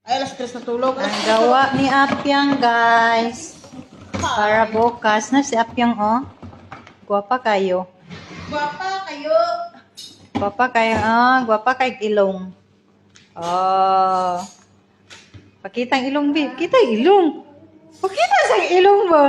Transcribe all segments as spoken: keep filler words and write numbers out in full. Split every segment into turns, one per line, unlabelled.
Ay, alas tres na tulog.
Ang gawa ni Apyang, guys. Para bukas na si Apyang, oh. Guwapa kayo.
Guwapa kayo.
Guwapa kayo, ah. Guwapa kay ilong. Oh. Pakita ang ilong, babe. Kita ang ilong. Pakita sa ilong ba?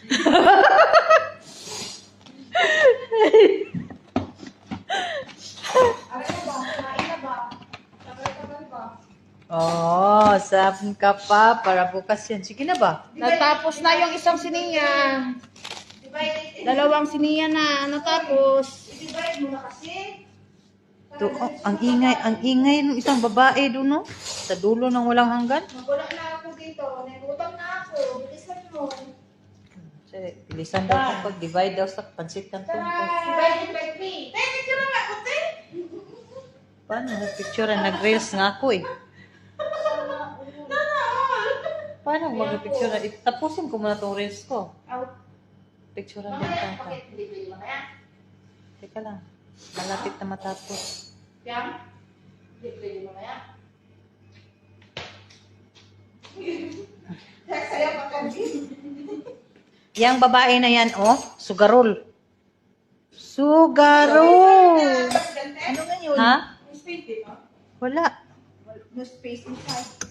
Oh, sabon ka pa para bukas yan. Sige na ba?
Natapos na yung isang siniya. Dalawang siniya na natapos. I-divide mo na kasi.
To, oh, ang ingay, ang ingay ng isang babae doon, no? Sa dulo ng walang hanggan.
Magulak na ako dito. Nagutang na ako. Bilisan mo.
Sige, bilisan daw kung pag-divide daw sa pansit kantong.
Divide it by three. Pwede ka na nga, kuti.
Paano? Nag-picture, nag-reels nga ako eh. Paano mag-picture? Tapusin ko muna tong reels ko.
Out.
Picture din
Mamaya,
ka.
bakit delivery mamaya?
Teka lang. Malapit na matapos.
Yang? Delivery mamaya? Saya pa kami.
Yang babae na yan, oh. Sugarol. Sugarol!
Ano nga yun?
Ha?
Space dito?
Wala.
No space inside.